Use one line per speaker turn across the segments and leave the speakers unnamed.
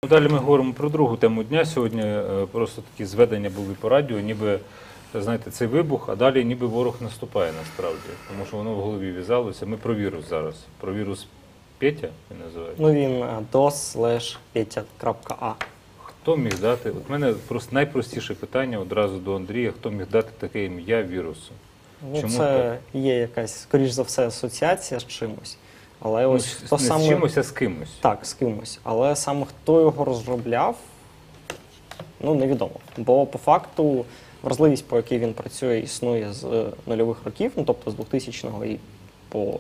Далі ми говоримо про другу тему дня. Сьогодні просто такі зведення були по радіо, ніби, знаєте, цей вибух, а далі ніби ворог наступає насправді. Тому що воно в голові в'язалося. Ми про вірус зараз. Про вірус Петя, він називається.
Ну він dos/petya.a.
Хто міг дати, от в мене просто найпростіше питання одразу до Андрія, хто міг дати таке ім'я вірусу?
Ну,
Чому
це є якась, скоріш за все, асоціація з чимось. Але
Ну,
ось хто
не
саме...
з чимось, а з кимось.
Так, з кимось. Але саме хто його розробляв, ну, невідомо. Бо по факту вразливість, по якій він працює, існує з нульових років, ну, тобто з 2000-го і по...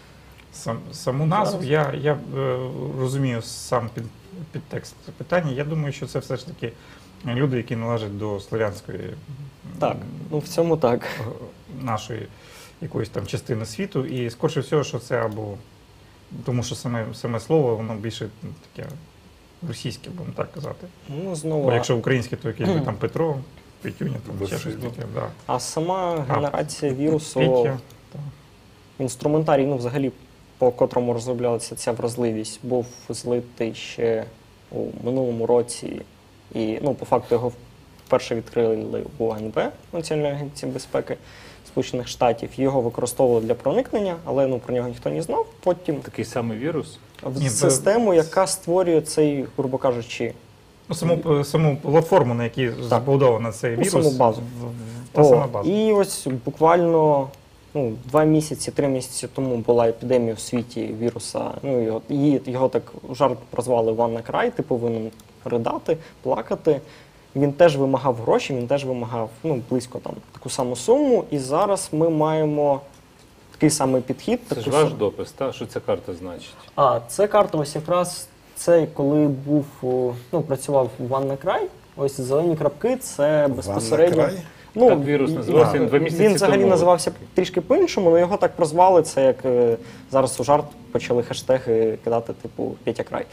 Саму назву я розумію сам підтекст питання. Я думаю, що це все ж таки люди, які належать до слов'янської
Так, ну в цьому так.
нашої якоїсь там частини світу. І скоріше всього, що це або тому, що саме слово, воно більше таке російське, будемо так казати.
Ну, знову...
Бо якщо українське, то якийсь би там Петро, Петюня, там ще щось таке. Да.
А сама генерація вірусу,
Петя,
інструментарій, ну взагалі, по котрому розроблялася ця вразливість, був злитий ще у минулому році. І, ну, по факту, його вперше відкрили у АНБ, Національної агенції безпеки Сполучених Штатів. Його використовували для проникнення, але ну, про нього ніхто не знав. Потім
Такий самий вірус?
в систему, яка створює цей, грубо кажучи,
ну, саму платформу, на якій забудована цей вірус.
саму базу.
Та сама база.
І ось буквально 2 місяці, 3 місяці тому була епідемія в світі віруса. Ну, його так жарт прозвали WannaCry, ти повинен ридати, плакати. Він теж вимагав гроші, він теж вимагав близько там таку саму суму. І зараз ми маємо такий самий підхід.
Це ж ваш допис, та? Що ця карта значить?
А, це карта ось якраз це, коли працював WannaCry, ось зелені крапки, це безпосередньо...
Ну, так вірус називався, він 2 місяці
Він взагалі
тому.
називався трішки по-іншому, але його так прозвали, це як зараз у жарт почали хештеги кидати, типу, Петя Край.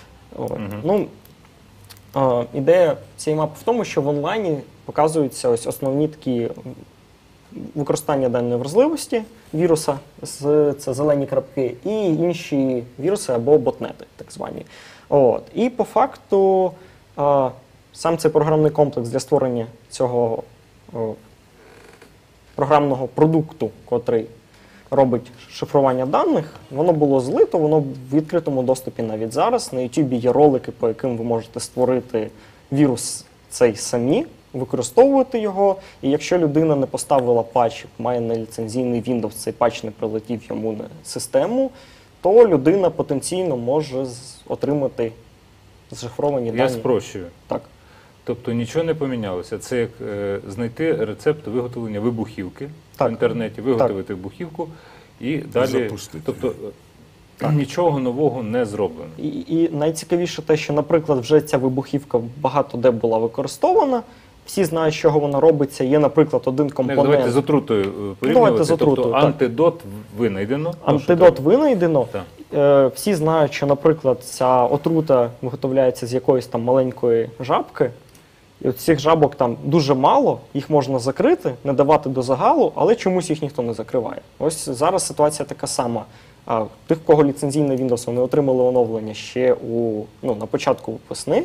Ідея цієї мапи в тому, що в онлайні показуються ось основні такі використання даної вразливості віруса, це зелені крапки, і інші віруси або ботнети, так звані. І по факту сам цей програмний комплекс для створення цього програмного продукту, котрий робить шифрування даних, воно було злито, воно в відкритому доступі навіть зараз. На YouTube є ролики, по яким ви можете створити вірус цей самі, використовувати його, і якщо людина не поставила патч, має неліцензійний Windows, цей патч не прилетів йому на систему, то людина потенційно може отримати зашифровані дані.
Я спрощую.
Так.
Тобто нічого не помінялося. Це як знайти рецепт виготовлення вибухівки в інтернеті, виготовити вибухівку і далі.
Запустити.
Тобто нічого нового не зроблено.
І найцікавіше те, що, наприклад, вже ця вибухівка багато де була використована. Всі знають, з чого вона робиться. Є, наприклад, один компонент.
Давайте з отрутою порівнювати. Тобто антидот винайдено.
Антидот винайдено. Всі знають, що, наприклад, ця отрута виготовляється з якоїсь там маленької жабки. І от цих жабок там дуже мало, їх можна закрити, не давати до загалу, але чомусь їх ніхто не закриває. Ось зараз ситуація така сама. Тих, в кого ліцензійний Windows, вони отримали оновлення ще на початку весни.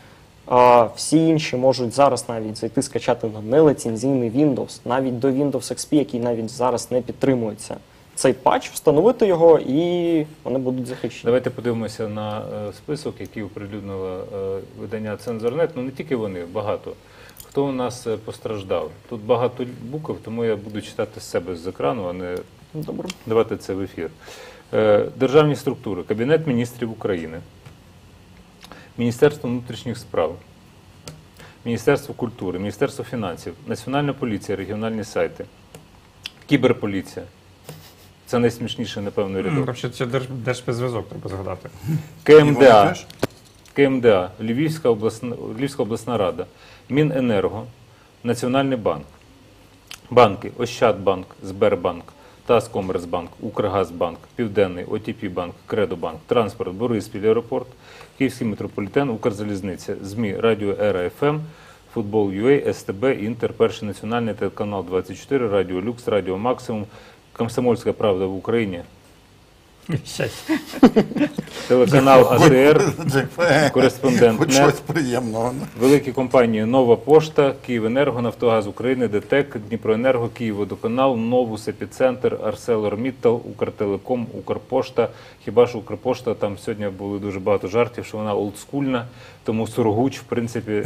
Всі інші можуть зараз навіть зайти скачати на неліцензійний Windows, навіть до Windows XP, який навіть зараз не підтримується. Цей патч, встановити його, і вони будуть захищені.
Давайте подивимося на список, який оприлюднило видання «Цензорнет». Ну, не тільки вони, багато. Хто у нас постраждав? Тут багато букв, тому я буду читати з себе з екрану, а не давати це в ефір. Державні структури. Кабінет міністрів України. Міністерство внутрішніх справ. Міністерство культури. Міністерство фінансів. Національна поліція, регіональні сайти. Кіберполіція. Це найсмішніше, напевно, рядок.
Це Держспецзв'язок, треба згадати.
КМДА. КМДА. Львівська обласна рада. Міненерго. Національний банк. Банки. Ощадбанк, Сбербанк, Таскомерцбанк, Укргазбанк, Південний, ОТП-банк, Кредобанк, Транспорт, Бориспіль, аеропорт, Київський метрополітен, Укрзалізниця, ЗМІ, Радіо Ера ФМ, Футбол.ua, СТБ, Інтер, Перший національний, телеканал 24, Радіо Люкс, Радіо Максимум, Комсомольська правда в Україні.
Щастя.
Телеканал АТР,
Хоч
кореспондент
щось
НЕТ,
приємного.
великі компанії Нова Пошта, Київенерго, Нафтогаз України, ДТЕК, Дніпроенерго, Київводоканал, Новус, Епіцентр, ArcelorMittal, Укртелеком, Укрпошта. Хіба ж Укрпошта, там сьогодні були дуже багато жартів, що вона олдскульна, тому Сургуч, в принципі,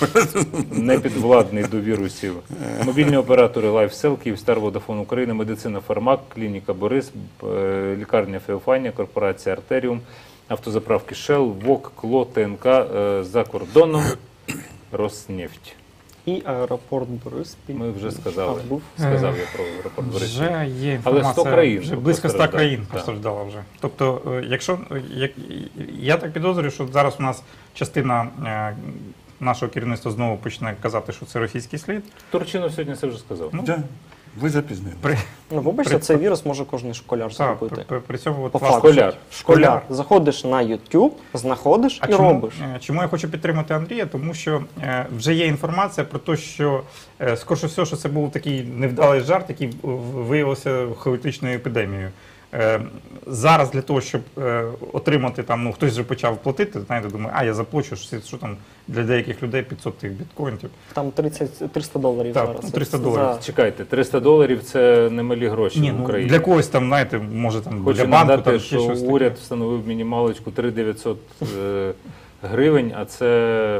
не підвладний до вірусів. Мобільні оператори LifeSell, Київстар, Водафон України, Медицина Фармак, Клініка Борис, лікарня Феофанія, корпорація Артеріум, автозаправки Shell, ВОК, КЛО, ТНК, за кордоном, Роснефть.
І аеропорт Бориспіль.
Ми вже сказали.
А, був.
Сказав я про аеропорт Бориспіль.
Вже є
Але
інформація,
100 країн
вже близько 100
постраждало.
країн
Так.
постраждало вже. Тобто, якщо, я так підозрюю, що зараз у нас частина нашого керівництва знову почне казати, що це російський слід.
Турчинов сьогодні це вже сказав.
Ну,
Да, ви запізнили.
Ну, вибачте, цей вірус може кожен школяр
Так,
зробити.
при цьому от
По
власне,
факту.
Школяр.
Школяр. Заходиш на YouTube, знаходиш і робиш.
Чому я хочу підтримати Андрія? Тому що вже є інформація про те, що скоріше всього, що це був такий невдалий жарт, який виявився хаотичною епідемією. Зараз для того, щоб отримати там, ну хтось вже почав платити, знаєте, думаю, я заплачу, що там для деяких людей 500 тих біткоінтів.
Там 300 доларів
Так,
зараз.
300
Це
доларів.
за-
Чекайте, 300 доларів це немалі гроші
Ні,
в
ну,
Україні.
для когось там, знаєте, може там
Хочу
для банку,
нагадати,
там ще
що
щось
уряд
таке.
встановив мінімалочку 3900 гривень, а це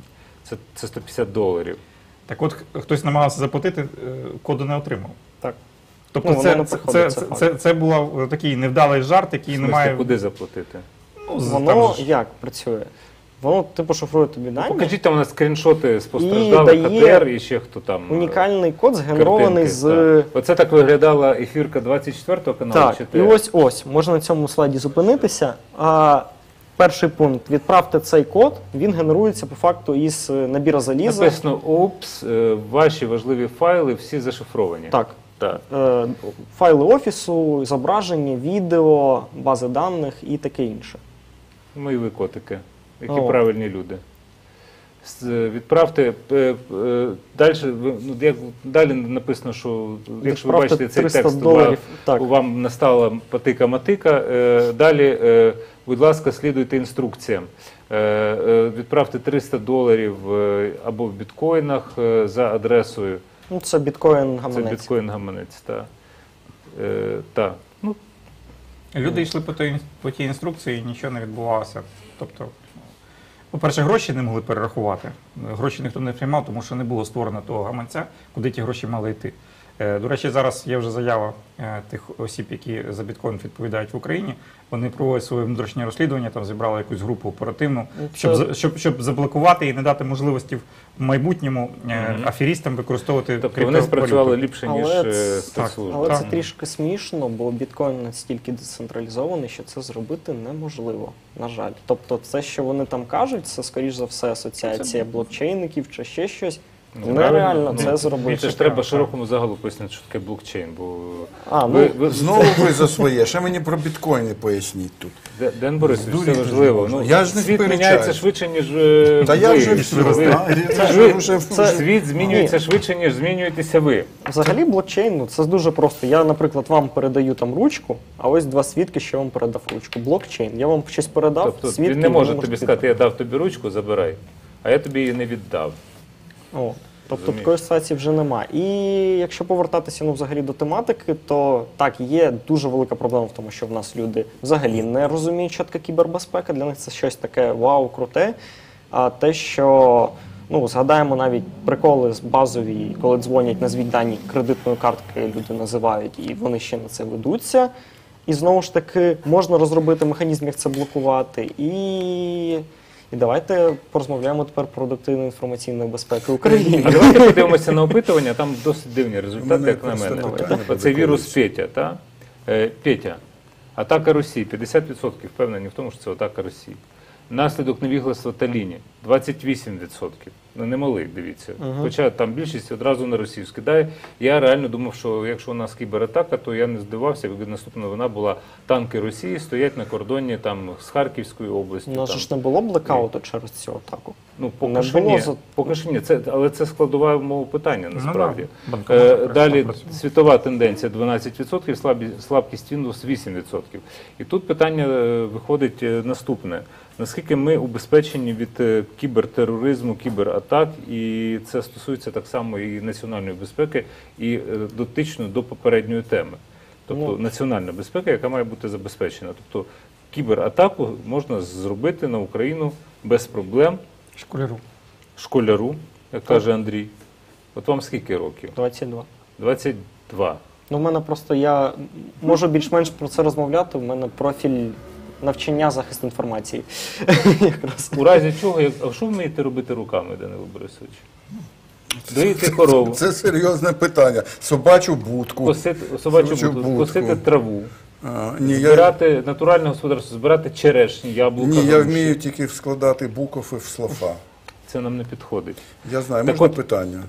150 доларів.
Так от хтось намагався заплатити, коду не отримав.
Так.
Тобто
Ну, воно
це,
не
це,
приходить,
це,
це
це, це був такий невдалий жарт, який
В
не
смислі,
має...
куди заплатити?
Ну,
Воно
там же ж-
як працює? Воно типу шифрує тобі дані.
Покажіть там у нас скріншоти з постраждалих
І дає
АТР і ще хто там.
Унікальний код згенерований
картинки,
з.
так. Оце так виглядала ефірка 24 каналу.
Так,
чи
і
те?
ось можна на цьому слайді зупинитися. Перший пункт: відправте цей код, він генерується по факту із набіра заліза.
Написано «Упс, ваші важливі файли всі зашифровані».
Так.
Так.
Файли офісу, зображення, відео, бази даних і таке інше.
Мої ви котики, які
О.
правильні люди. Відправте далі, далі написано, що якщо ви
Відправте
бачите цей
300
текст,
доларів. Так.
вам настала патика-матика, далі, будь ласка, слідуйте інструкціям. Відправте 300 доларів або в біткоїнах за адресою.
Ну, це біткоін
Це
гаманець.
біткоін-гаманець, так. Так. Ну,
Люди йшли по тій інструкції і нічого не відбувалося. Тобто, по-перше, гроші не могли перерахувати. Гроші ніхто не приймав, тому що не було створено того гаманця, куди ті гроші мали йти. До речі, зараз є вже заява тих осіб, які за біткоін відповідають в Україні. Вони проводять своє внутрішнє розслідування, там зібрали якусь групу оперативну, щоб заблокувати і не дати можливості в майбутньому аферістам використовувати
тобто вони спрацювали ліпше, ніж
Але
спецслужби.
Але
Так.
це трішки смішно, бо біткоін настільки децентралізований, що це зробити неможливо, на жаль. Тобто це, що вони там кажуть, це, скоріш за все, асоціація блокчейників чи ще щось.
Ну,
Нереально
правильно.
це
Ну,
зробити.
Це ж треба широкому загалу пояснити, що таке блокчейн. Бо
Знову ви за своє. Ще мені про біткоїни поясніть тут.
Ден Борисович, це
Здуріти
важливо.
ж
Ну,
можна. Я ж не
світ
сперечаюсь.
міняється швидше, ніж
Та я
ви.
вже все
Ви-
знаю.
Світ змінюється швидше, ніж змінюєтеся ви.
Взагалі блокчейн, ну, це дуже просто. Я, наприклад, вам передаю там ручку, а ось два свідки, що я вам передав ручку. Блокчейн. Я вам щось передав,
Тобто
свідки
він не може
ви
тобі
можете
сказати, я дав тобі ручку, забирай, а я тобі її не віддав.
О, тобто
Розумієш.
такої ситуації вже нема. І якщо повертатися взагалі до тематики, то так, є дуже велика проблема в тому, що в нас люди взагалі не розуміють, що таке кібербезпека. Для них це щось таке вау, круте. А те, що згадаємо навіть приколи з базові, коли дзвонять, назвіть дані кредитної картки, люди називають, і вони ще на це ведуться. І знову ж таки, можна розробити механізм, як це блокувати. І давайте порозмовляємо тепер про продуктивну інформаційну безпеку України.
А давайте подивимося на опитування, там досить дивні результати,
мене
як на
просто
мене.
питання буде
Оцей вірус
колись.
Петя, та? Петя, атака Росії, 50% впевнені в тому, що це атака Росії. Наслідок невігластва та лінії 28%. Ну, немалий, дивіться. Хоча там більшість одразу на Росію скидає. Я реально думав, що якщо у нас кібератака, то я не здивався, якби наступна вона була танки Росії стоять на кордоні там з Харківською областю.
У нас
там.
же ж не було блекауту через цю атаку.
Ну,
Не
поки що
було
ні.
за-
Поки що ні. Але це складова мова питання, насправді.
да, банкомати якраз
Далі
працюють.
світова тенденція 12%, слабкість Windows 8%. І тут питання виходить наступне. Наскільки ми убезпечені від кібертероризму, кібератак, і це стосується так само і національної безпеки, і дотично до попередньої теми. Тобто національна безпека, яка має бути забезпечена. Тобто кібератаку можна зробити на Україну без проблем,
Школяру.
школяру, як каже Андрій. От вам скільки років?
22.
22.
Ну, в мене просто я можу більш-менш про це розмовляти. У мене профіль навчання захист інформації. Якраз.
У разі чого, а що вмієте робити руками, Данило Борисович? Доїти корову,
Це серйозне питання. Собачу будку.
косити собачу
Собачу
будку,
будку.
косити траву,
Ні,
збирати натуральне господарство, збирати черешні, яблука.
ні, я
груші.
вмію тільки складати букови в слова.
Це нам не підходить.
Я знаю,
Так
можна
от-
питання?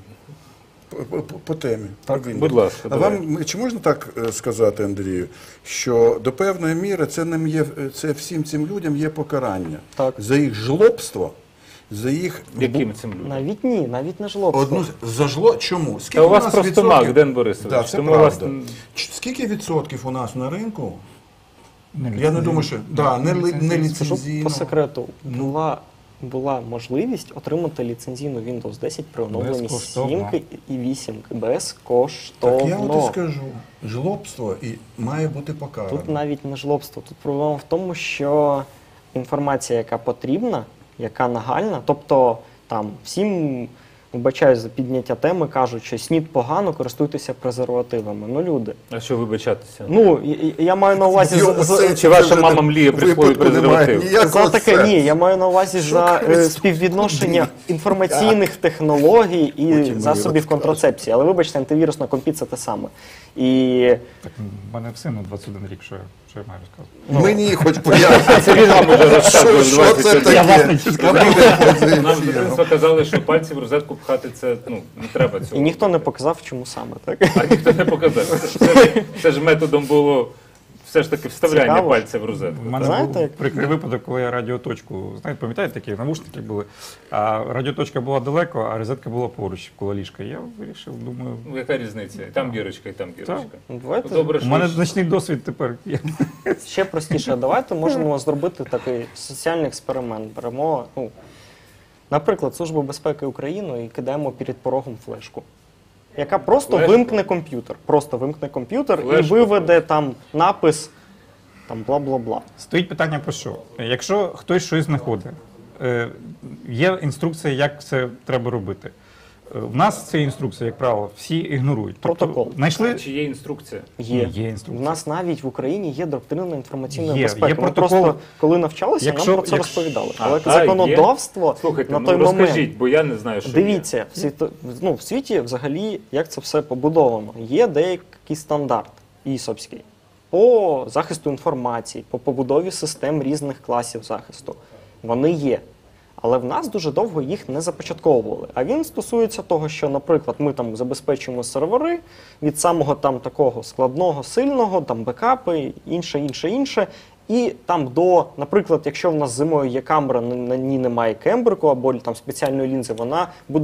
По темі. Провільно.
будь ласка,
А
давай.
вам чи можна так сказати, Андрію, що до певної міри це нам є, це всім цим людям є покарання
Так.
за їх жлобство, за їх
Яким цим людям?
Навіть ні, навіть не жлобство.
одну за зло. Чому? Скільки
Та у вас
нас
просто
відсотків-
мак, Ден Борисович.
Да, це
тому у вас
правда. Скільки відсотків у нас на ринку? Я не
ліцензійно.
думаю, що да, не
Скажу по
ліцензійно.
секрету, була можливість отримати ліцензійну Windows 10 при оновленні
Безкоштовно.
7 і 8
Так
безкоштовно.
я от і скажу, жлобство і має бути покарано.
Тут навіть не жлобство. Тут проблема в тому, що інформація, яка потрібна, яка нагальна, тобто там всім, вибачаюсь за підняття теми, кажуть, що снід погано, користуйтеся презервативами. Ну, люди.
А що вибачатися?
Ну, я маю на увазі
Його сенсі
Чи ваша
це вже
мама мріє присвоїти
випадку немає
презерватив?
ніякого
за таке,
сенсу.
ні, я маю на увазі за
Куди?
співвідношення інформаційних технологій і
Потім мені
засобів
розкажеш.
контрацепції. Але вибачте, антивірус на компі це те саме. І
Так, в мене в сину 21 рік, що я маю розказувати.
Мені хоч пояснити.
Це він вам уже розказував
Що це
21.
таке?
Я власне чи сказав.
Нам з дитинства казали, що пальці в розетку пхати це не треба цього.
і ніхто не показав, чому саме, так?
А ніхто не показав. Це ж методом було все ж таки вставляння
Цікаво.
пальця в розетку.
У мене
Знаєте,
був
як-
прикрий випадок, коли я радіоточку, знаєте, пам'ятаєте, такі навушники були, а радіоточка була далеко, а розетка була поруч коло ліжка. Я вирішив, думаю,
Ну, яка різниця? І там дірочка, і там дірочка.
Ну,
Ну,
давайте
добре,
у
що
мене
ж-
значний досвід тепер.
ще простіше. Давайте можемо зробити такий соціальний експеримент. Беремо, наприклад, Службу безпеки України і кидаємо перед порогом флешку, яка просто
Флешку?
вимкне комп'ютер. Просто вимкне комп'ютер і
Флешку?
виведе там напис там бла-бла-бла.
Стоїть питання про що? Якщо хтось щось знаходить, є інструкція, як це треба робити. В нас ця інструкція, як правило, всі ігнорують.
Протокол.
Знайшли
Чи є інструкція?
Є.
Є
В
інструкція.
нас навіть в Україні є доктрина інформаційної
Є,
безпеки.
є
Ми
протокол.
просто, коли навчалися,
Якщо-
нам про це
якщо-
розповідали.
А,
Але
та,
законодавство
Слухайте,
на
ну
той
розкажіть,
момент.
бо я не знаю, що
Дивіться, в світі взагалі, як це все побудовано. Є деякий стандарт ІСОПський по захисту інформації, по побудові систем різних класів захисту. Вони є. Але в нас дуже довго їх не започатковували. А він стосується того, що, наприклад, ми там забезпечуємо сервери від самого там такого складного, сильного, там бекапи, інше. І там до, наприклад, якщо в нас зимою є камера, на ній немає кембрику або там спеціальної лінзи, вона буде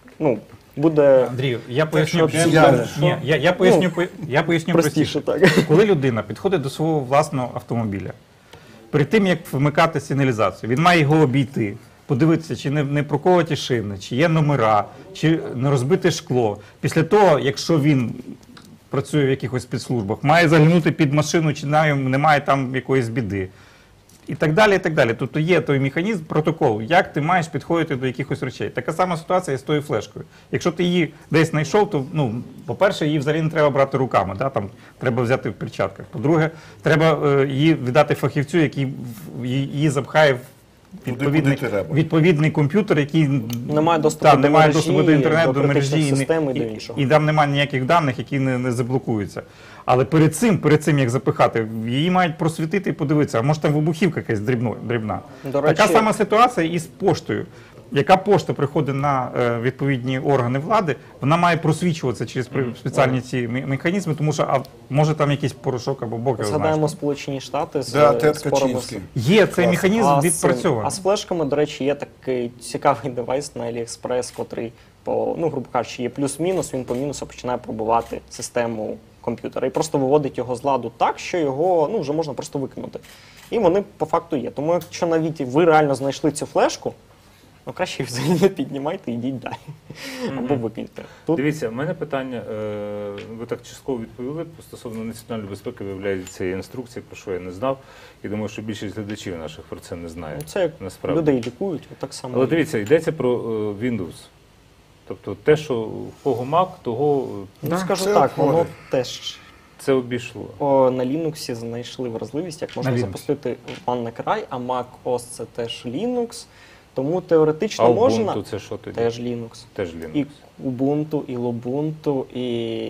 буде
Андрію, я поясню.
що
Ні, я поясню
простіше.
простіше.
Так.
Коли людина підходить до свого власного автомобіля, перед тим, як вмикати сигналізацію, він має його обійти, подивитися, чи не проколоті шини, чи є номера, чи не розбите шкло. Після того, якщо він працює в якихось спецслужбах, має заглянути під машину, чи немає там якоїсь біди. І так далі, і так далі. Тобто є той механізм, протокол, як ти маєш підходити до якихось речей. Така сама ситуація і з тою флешкою. Якщо ти її десь знайшов, то, по-перше, її взагалі не треба брати руками, да? Там треба взяти в перчатках. По-друге, треба її віддати фахівцю, який її запхає в відповідний,
куди треба.
відповідний комп'ютер, який
Немає доступу до
немає
мережі,
доступу до інтернету,
до
до мережі
критичних систем і до іншого.
і там немає ніяких даних, які не заблокуються. Але перед цим, як запихати, її мають просвітити і подивитися, а може там вибухівка якась дрібна.
До
Така
речі-
сама ситуація і з поштою. Яка пошта приходить на відповідні органи влади, вона має просвічуватися через спеціальні ці механізми, тому що може там якийсь порошок або бог його знає.
Згадаємо Сполучені Штати з
Да, Тед
спорами.
Качинський.
Є цей механізм
А
відпрацьований.
з флешками, до речі, є такий цікавий девайс на AliExpress, котрий грубо кажучи, є плюс-мінус, він по мінусу починає пробувати систему комп'ютера і просто виводить його з ладу так, що його вже можна просто викинути. І вони по факту є. Тому якщо навіть ви реально знайшли цю флешку, краще їх взагалі не піднімайте, йдіть далі. Або викиньте. Тут
Дивіться, в мене питання, ви так частково відповіли, стосовно національної безпеки, виявляється, є інструкція, про що я не знав, і думаю, що більшість глядачів наших про це не знає.
це як
насправді.
людей лікують, так само.
Але дивіться, йдеться про Windows. Тобто те, що в кого Mac, того
Скажу
це
так, воно
обходить.
теж
це обійшло.
на Linux знайшли вразливість, як можна
На Linux.
запустити OneCry, а Mac OS це теж Linux. Тому теоретично
А
можна
Ubuntu це що тоді?
теж Linux.
Теж Linux.
І Ubuntu, і Lubuntu, і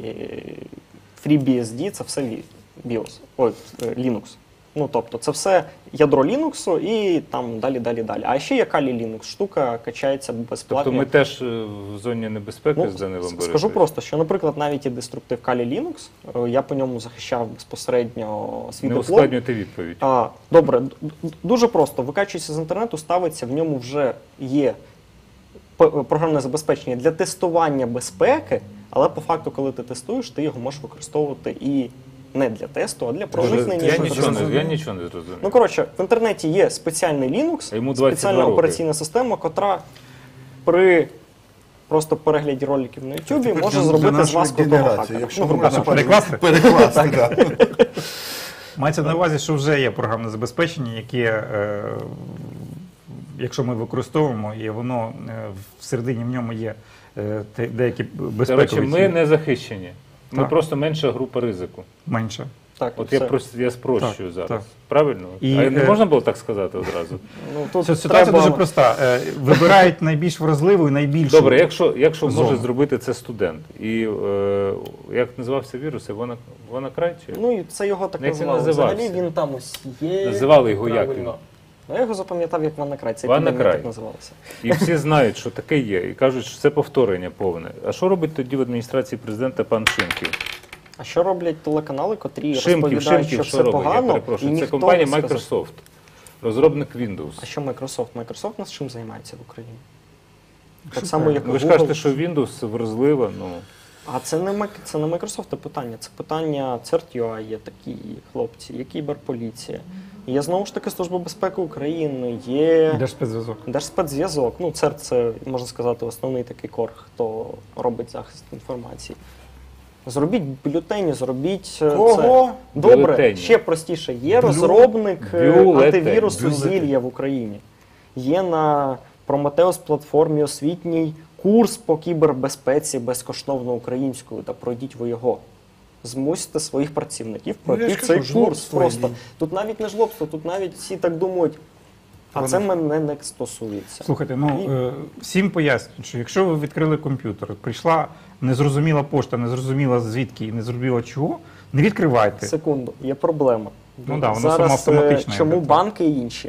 FreeBSD це все BIOS. Linux. Ну, тобто, це все ядро Linux і там далі. А ще є Kali Linux. Штука качається безплатно.
Тобто ми теж в зоні небезпеки з Данилом Борисовичем?
Скажу просто, що, наприклад, навіть і деструктив Kali Linux, я по ньому захищав безпосередньо свій
Не
диплом.
ускладнюйте відповідь.
Добре, дуже просто. Викачується з інтернету, ставиться, в ньому вже є програмне забезпечення для тестування безпеки, але по факту, коли ти тестуєш, ти його можеш використовувати і не для тесту, а для проникнення.
Я нічого не зрозумів.
Ну, коротше, в інтернеті є спеціальний Linux,
А йому 22
спеціальна
роки.
операційна система, котра при просто перегляді роликів на YouTube
Тепер
може
для
зробити з
нашої
вас крутого
генерації,
хакера.
якщо
Ну, грубо
можна
кажучи.
Перекласти?
Перекласти, так.
Мається на увазі, що вже є програмне забезпечення, яке, якщо ми використовуємо, і воно всередині в ньому є деякі безпекові
Коротше, ми
ці-
не захищені. Ми
Так.
просто менша група ризику.
менше.
Так,
От
все.
я спрощую
Так,
зараз.
так.
Правильно?
І,
А не можна було так сказати одразу?
Ну, тут
Ситуація
треба-
дуже проста. Вибирають найбільш вразливу і найбільшу.
Добре, якщо може
Зону.
зробити це студент. І як називався вірус? WannaCry? Чи?
Ну, і це його так
Як він
називали.
називався?
Взагалі він там ось є.
Називали його як
правильно.
він?
Ну, я його запам'ятав як WannaCry. Це
WannaCry.
епідемія так називалася.
І всі знають, що таке є, і кажуть, що це повторення повне. А що робить тоді в адміністрації президента пан Шимків?
А що роблять телеканали, котрі
Шимків,
розповідають, що все
робить? Я
погано, і
перепрошую. Це
ніхто
компанія
не сказав.
Microsoft, розробник Windows.
А що Microsoft? Microsoft у нас чим займається в Україні? Так само, як
Ви ж
Google.
кажете, що Windows вразлива, ну...
А це не Microsoft питання, це питання CERT.ua, є такі хлопці, є кіберполіція. Є знову ж таки Служба безпеки України, є
Держспецзв'язок.
Держспецзв'язок. Ну, CERT – це, можна сказати, основний такий кор, хто робить захист інформації. Зробіть бюлетені, зробіть
Кого?
це. Добре,
Бюлетені.
ще простіше. Є розробник
Бюлетень.
антивірусу
Бюлетень.
Зілля в Україні. Є на Prometheus платформі освітній курс по кібербезпеці безкоштовно українською, та пройдіть ви його. Змусьте своїх працівників
Ну, я
пройти
ж
цей
кажу,
курс.
жлобство
Просто.
є.
Тут навіть не жлобство, тут навіть всі так думають. А
Вони-
це мене не стосується.
Слухайте, всім пояснюють, що якщо ви відкрили комп'ютер, прийшла незрозуміла пошта, незрозуміла звідки і незрозуміла чого, не відкривайте.
Секунду, є проблема.
Ну да, воно
Зараз
самоавтоматично,
чому
якби.
банки і інші?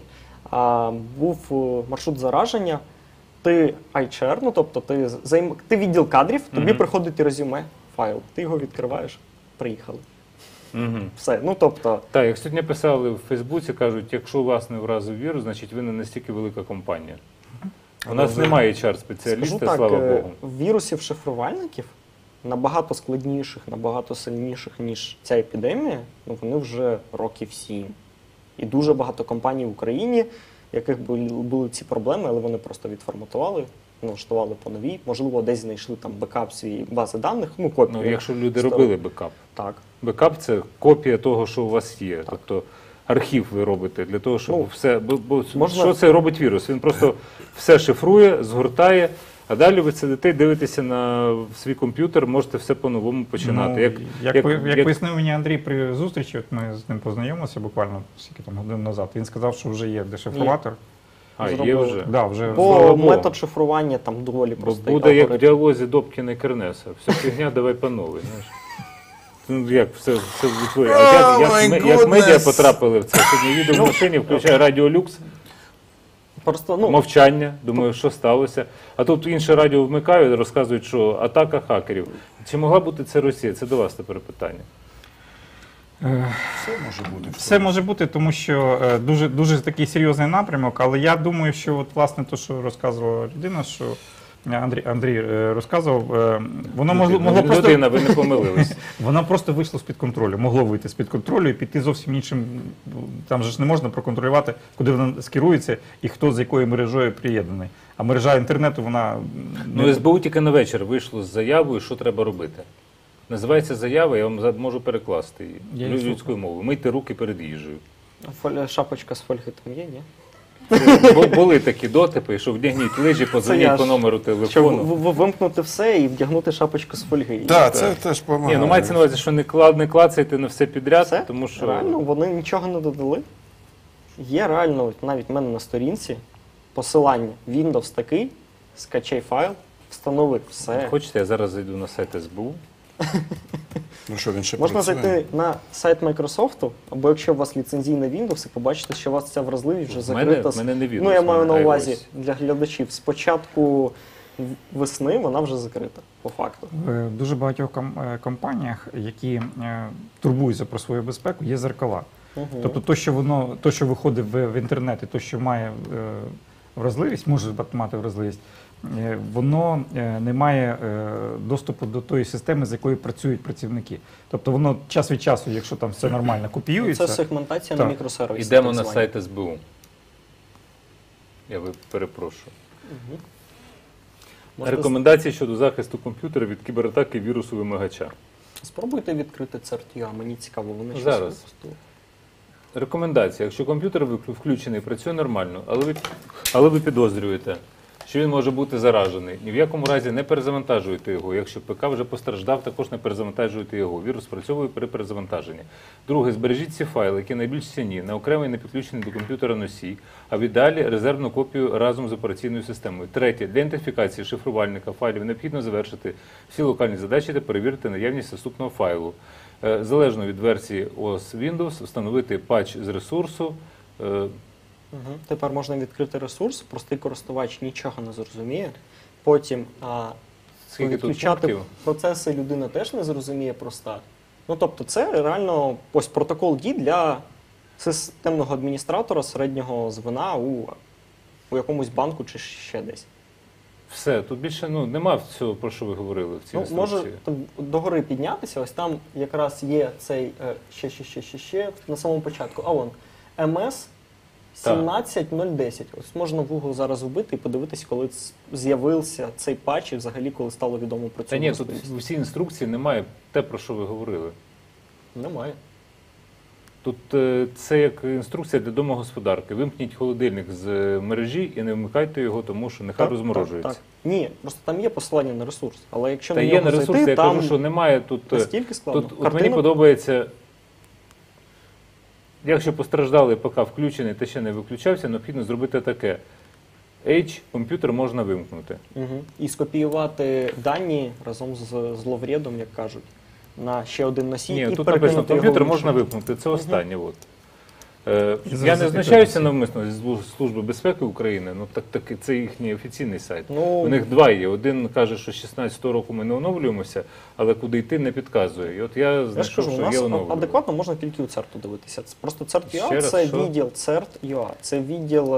Був маршрут зараження, ти ICR, ну тобто ти відділ кадрів, тобі приходить резюме, файл, ти його відкриваєш, приїхали.
Угу.
Все, ну тобто,
Так, як сьогодні писали в Фейсбуці, кажуть, якщо вас не вразив вірус, значить ви не настільки велика компанія. У нас немає
скажу
HR-спеціаліста,
так,
слава Богу.
вірусів-шифрувальників набагато складніших, набагато сильніших, ніж ця епідемія, ну вони вже років 7. І дуже багато компаній в Україні, яких були ці проблеми, але вони просто відформатували, налаштували по новій. Можливо, десь знайшли там бекап свої бази даних, ну копію.
Ну, якщо люди
Ставили.
робили бекап.
Так.
Бекап – це копія того, що у вас є. Тобто архів ви робите для того, щоб
Ну,
все... Бо
можна-
що це робить вірус? Він просто все шифрує, згортає, а далі ви сидите, дивитеся на свій комп'ютер, можете все по-новому починати.
Ну, як пояснив мені Андрій при зустрічі, от ми з ним познайомилися буквально скільки там годин назад, він сказав, що вже є дешифроватор.
А, є
зробили.
вже.
Да, вже
Бо
Слава Богу.
метод шифрування там доволі
Бо
простий.
буде як в
алгоритм.
діалозі Добкіна і Кернеса. Все фігня, давай по новій. Знаєш. Ну, як все відтворює.
Oh
Як
my
медіа
goodness.
потрапили в це? Сьогодні їду в машині, включаю Радіо Люкс,
Просто, ну,
мовчання, думаю, що сталося. А тут інше радіо вмикаю і розказують, що атака хакерів. Чи могла бути це Росія? Це до вас тепер питання.
Все може бути.
Все може бути, тому що дуже, дуже такий серйозний напрямок, але я думаю, що от, власне те, що розказувала людина, що Андрій розказував, воно могло просто...
Людина, ви не помилились.
Воно просто вийшло з-під контролю, могло вийти з-під контролю і піти зовсім іншим. Там же ж не можна проконтролювати, куди воно скерується і хто з якою мережею приєднаний. А мережа інтернету, вона...
Ну, СБУ тільки на вечір вийшло з заявою, що треба робити. Називається заява, я вам можу перекласти її
Я її
людською мовою. Мийте руки перед їжею.
шапочка з фольги там є, ні?
Були такі дотипи, що вдягніть лижі,
я
подзвоніть
ж.
по номеру
Щоб
телефону.
вимкнути все і вдягнути шапочку з фольги.
Так, це теж допомагає.
Ні, ну мається на увазі, що не клацайте на все підряд,
Все?
тому що
Реально, вони нічого не додали. Є реально, от навіть в мене на сторінці посилання Windows такий, скачай файл, встанови все.
хочете, я зараз зайду на сайт СБУ.
Ну що, він ще
Можна
працює?
зайти на сайт Microsoft, або якщо у вас ліцензійний Windows, і побачити, що у вас ця вразливість вже
В мене-
закрита.
в мене не Windows,
Ну, я
в
маю
мене
на увазі
iOS.
для глядачів. З початку весни вона вже закрита, по факту.
В дуже багатьох компаніях, які турбуються про свою безпеку, є зеркала.
Угу.
Тобто то, що виходить в інтернет, і то, що має вразливість, може мати вразливість, воно не має доступу до тої системи, з якою працюють працівники. Тобто воно час від часу, якщо там все нормально копіюється.
Це сегментація
Так.
на мікросервісі.
Йдемо
так
на
звані.
сайт СБУ. Я перепрошую.
Мгм. Можна
Рекомендації щодо захисту комп'ютера від кібератаки вірусу вимагача.
Спробуйте відкрити CERT.ua, мені цікаво, вони щось
Зараз.
випустили.
Рекомендація. Якщо комп'ютер включений, працює нормально, але ви підозрюєте, що він може бути заражений. Ні в якому разі не перезавантажуйте його. Якщо ПК вже постраждав, також не перезавантажуйте його. Вірус спрацьовує при перезавантаженні. Друге, збережіть ці файли, які найбільш цінні, на окремий не підключений до комп'ютера носій, а в ідеалі резервну копію разом з операційною системою. Третє, для ідентифікації шифрувальника файлів необхідно завершити всі локальні задачі та перевірити наявність наступного файлу. Залежно від версії OS Windows, встановити патч з ресурсу.
Угу. Тепер можна відкрити ресурс, простий користувач нічого не зрозуміє. Потім
Скільки тут
відключати
пунктів?
процеси людина теж не зрозуміє проста. Ну тобто це реально ось протокол дій для системного адміністратора середнього звена у якомусь банку чи ще десь.
Все, тут більше нема всього, про що ви говорили в цій
Ну, може
інструкції.
там догори піднятися, ось там якраз є цей ще на самому початку. А вон МС 17010. Ось можна в Google зараз вбити і подивитись, коли з'явився цей патч і взагалі коли стало відомо про цю
Та ні, тут
можливість.
в цій інструкції немає те, про що ви говорили.
Немає.
Тут це як інструкція для домогосподарки. Вимкніть холодильник з мережі і не вмикайте його, тому що нехай розморожується.
Так. Ні, просто там є посилання на ресурс. Але якщо
Та
на
є
нього
на ресурсі,
зайти,
я
там
кажу, що немає тут.
настільки складно.
Тут от мені подобається, якщо постраждалий ПК включений та ще не виключався, необхідно зробити таке. H, комп'ютер можна вимкнути.
Угу. І скопіювати дані разом з зловредом, як кажуть, на ще один носій.
Ні,
і
тут
перекинути
написано,
його
комп'ютер
в
можна
інший.
вимкнути. Це останнє. От.
І
Я
зараз
не
закрити
знущаюся
всі.
навмисно зі Служби безпеки України, ну так це їхній офіційний сайт.
Ну,
У них два є. Один каже, що з 16-го року ми не оновлюємося, але куди йти не підказує. І от я
я ж
знайшов,
кажу, у
що
нас
є оновлювання.
адекватно можна тільки у CERT дивитися. Це просто
Ще
CERT.ua
раз,
це
що?
відділ CERT.ua. Це відділ,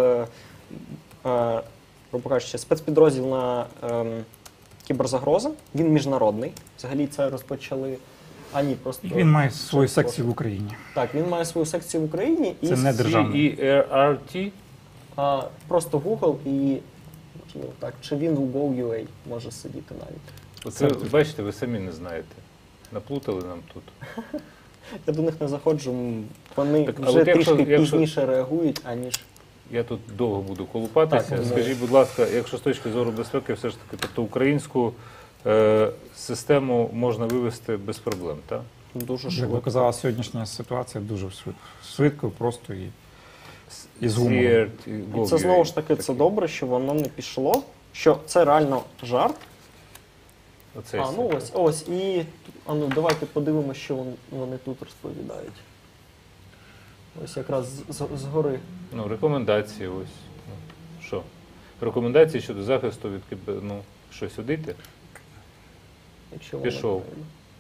грубо кажучи, спецпідрозділ на кіберзагрози. Він міжнародний. Взагалі це розпочали. А ні, просто
Він має свою секцію в Україні.
Так, він має свою секцію в Україні і
Це не державний.
CERT.
просто Google і так, чи він у Go.ua може сидіти навіть.
Оце, бачите, ви самі не знаєте. Наплутали нам тут.
Я до них не заходжу, вони
Так, а
вже
от якщо-
трішки
якщо-
пізніше реагують, аніж
Я тут довго буду колупатися.
Так,
Скажіть, будь ласка, якщо з точки зору безпеки, все ж таки, тобто українську систему можна вивести без проблем, так?
дуже
Як
швидко.
показала сьогоднішня ситуація, дуже швидко, просто і Із гумором.
І це знову ж таки це добре, що воно не пішло, що це реально жарт.
Оцей
А, ну ось, і ну, давайте подивимося, що вони тут розповідають. Ось якраз згори.
Ну, рекомендації ось. Ну, що? Рекомендації щодо захисту від ну, що, сюди йти?
Якщо
Пішов.
воно-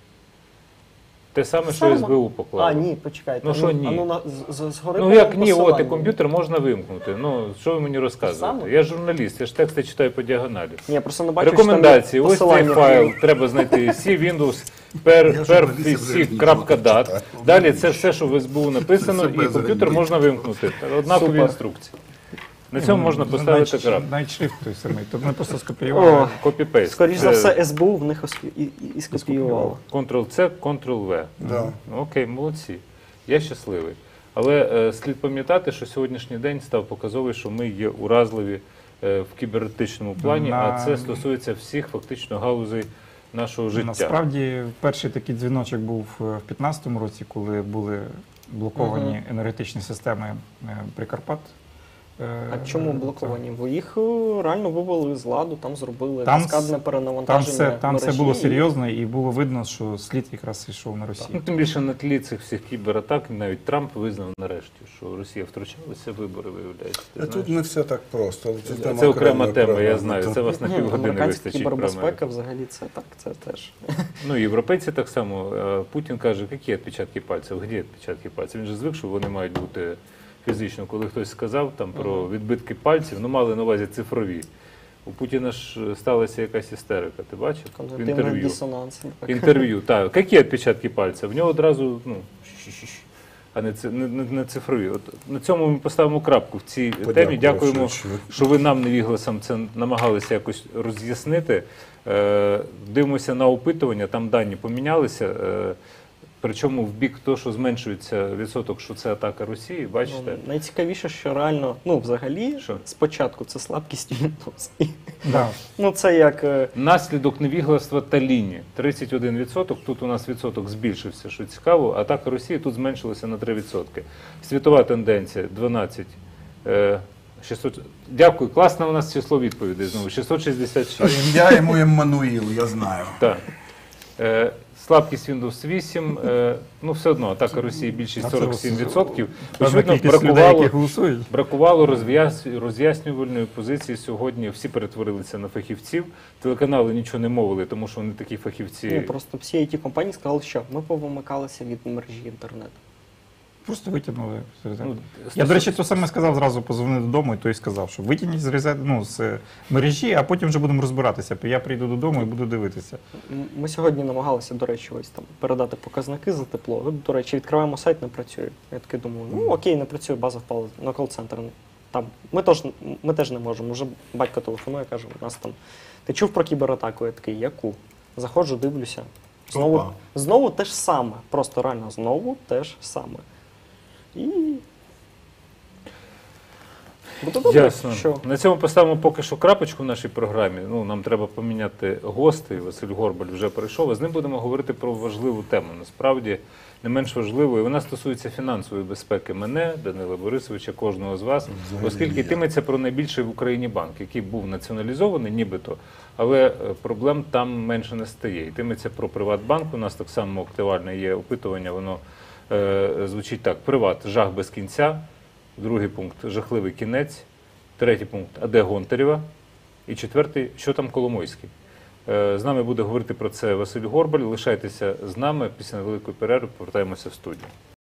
Те саме, що
Саме?
СБУ поклало.
А, ні, почекайте.
Ну, що ні?
А ну, згори
Ну як ні, от і
посилання.
комп'ютер можна вимкнути. Ну, що ви мені розказуєте?
саме?
Я журналіст, я ж тексти читаю по діагоналі.
Ні, я просто не бачу,
Рекомендації,
що
ось
там
цей
посилання.
файл, треба знайти C, Windows,
Я журналістів вже
perfc.dat.
нічого
Далі це все, що в СБУ написано,
Це
і
без
комп'ютер
ремонту.
можна вимкнути. Однакові
Супер.
інструкції. На цьому можна поставити крапку.
Навіть шрифт той самий. Тобто ми просто
О,
скопіювали.
Копі-пейст.
скоріш за
Це
все, СБУ в них і скопіювало.
Ctrl-C, Ctrl-V.
Да.
Ну, окей, молодці. Я щасливий. Але слід пам'ятати, що сьогоднішній день став показовий, що ми є уразливі в кібернетичному плані, а це стосується всіх фактично галузей нашого життя.
Насправді, перший такий дзвіночок був в 2015 році, коли були блоковані енергетичні системи Прикарпат.
А чому блоковані? Бо їх реально вивели з ладу, там зробили
Там
каскадне
Там
перенавантаження
все
мережі.
було серйозно і було видно, що слід якраз йшов на
Ну,
Росію.
тим більше на тлі цих всіх кібератак навіть Трамп визнав нарешті, що Росія втручалася в вибори, виявляється. Ти знаєш?
Тут не все так просто.
Це окрема тема, я
окрема.
знаю. Це вас на
Ні,
півгодини
американська
вистачить. про
кібербезпека
Америку.
взагалі це так, це теж.
Ну, європейці так само. Путін каже, які відпечатки пальців, де відпечатки пальців? Він же звик, що вони мають бути фізично. Коли хтось сказав там про відбитки пальців, ну мали на увазі цифрові. У Путіна ж сталася якась істерика, ти бачив? В
Когнитивний
інтерв'ю.
дисонанс. Так.
Інтерв'ю, так. Які відпечатки пальців? В нього одразу, ну, а не цифрові. От на цьому ми поставимо крапку в цій темі. Дякуємо, що ви нам, невігласам, це намагалися якось роз'яснити. Дивимося на опитування, там дані помінялися. Причому в бік того, що зменшується відсоток, що це атака Росії, бачите?
Ну, найцікавіше, що реально, ну взагалі,
Що?
спочатку це слабкість Windows. І,
Да.
ну це як
Наслідок невігластва та лінії. 31%, тут у нас відсоток збільшився, що цікаво, атака Росії тут зменшилася на 3%. Світова тенденція 12. 600... Дякую, класне у нас число відповідей знову. 666.
Ім'я йому Еммануїл, я знаю.
Так. Слабкість Windows 8, ну все одно атака Росії більшість 47%.
Певна
Очевидно,
кількість людей, які голосують.
бракувало роз'яснювальної позиції сьогодні. Всі перетворилися на фахівців. Телеканали нічого не мовили, тому що вони такі фахівці.
ну, просто всі it компанії сказали, що ми повимикалися від мережі інтернету.
Просто витягнули.
Ну,
Я, до речі, то саме сказав, зразу позвонив додому, і той сказав, що витягніть з мережі, а потім вже будемо розбиратися. Я прийду додому і буду дивитися.
Ми сьогодні намагалися, до речі, ось там передати показники за тепло. От, до речі, відкриваємо сайт, не працює. Я таки думаю, ну окей, не працює, база впала на кол-центр. Там ми теж не можемо. Вже батько телефонує, каже, у нас там. Ти чув про кібератаку? Я такий, яку? Заходжу, дивлюся.
Опа.
Знову те ж саме. Просто реально знову те ж саме. І буде добре,
Ясно.
що
На цьому поставимо поки що крапочку в нашій програмі. Ну, нам треба поміняти гостей. Василь Горбаль вже прийшов. А з ним будемо говорити про важливу тему. Насправді, не менш важливою. Вона стосується фінансової безпеки мене, Данила Борисовича, кожного з вас. Оскільки йтиметься про найбільший в Україні банк, який був націоналізований нібито, але проблем там менше не стає. Йтиметься про Приватбанк. У нас так само актуальне є опитування, воно звучить так: Приват, жах без кінця. Другий пункт – жахливий кінець. Третій пункт – а де Гонтарєва? І четвертий – що там Коломойський? З нами буде говорити про це Василь Горбаль. Лишайтеся з нами. Після невеликої перерви повертаємося в студію.